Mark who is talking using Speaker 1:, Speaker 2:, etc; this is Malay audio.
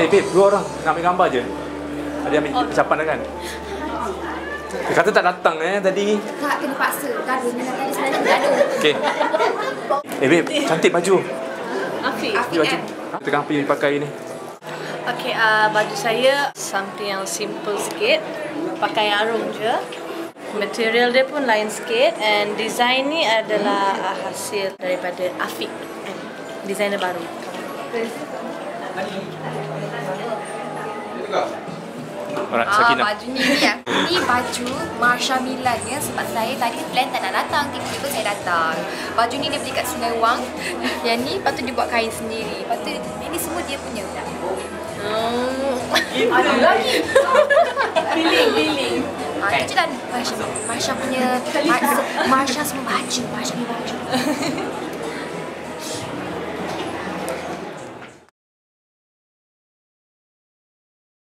Speaker 1: babe, dua orang nak ambil gambar je. Tadi ambil ucapan dah kan? Dia kata tak datang tadi.
Speaker 2: Tak, kena paksa. Gaduh ni tadi sebenarnya gaduh.
Speaker 1: Okey. Babe, cantik baju.
Speaker 3: Afiq.
Speaker 1: Baju. Tengah pergi pakai ni.
Speaker 3: Okay, baju saya something yang simple sikit. Pakai arung je. Material dia pun lain sikit. And design ni adalah hasil daripada Afiq. Designer baru.
Speaker 1: Alright, Sakinah.
Speaker 2: Baju ni ni baju Marsha Milan ya, sebab saya tadi plan tak nak datang, tiba-tiba saya datang. Baju ni dia beli kat Sungai Wang. Yang ni patut dia buat kain sendiri. Patut ini semua dia punya. Ada lagi. Feeling. Itu dan Marsha punya Marsha semua baju. Marsha punya baju.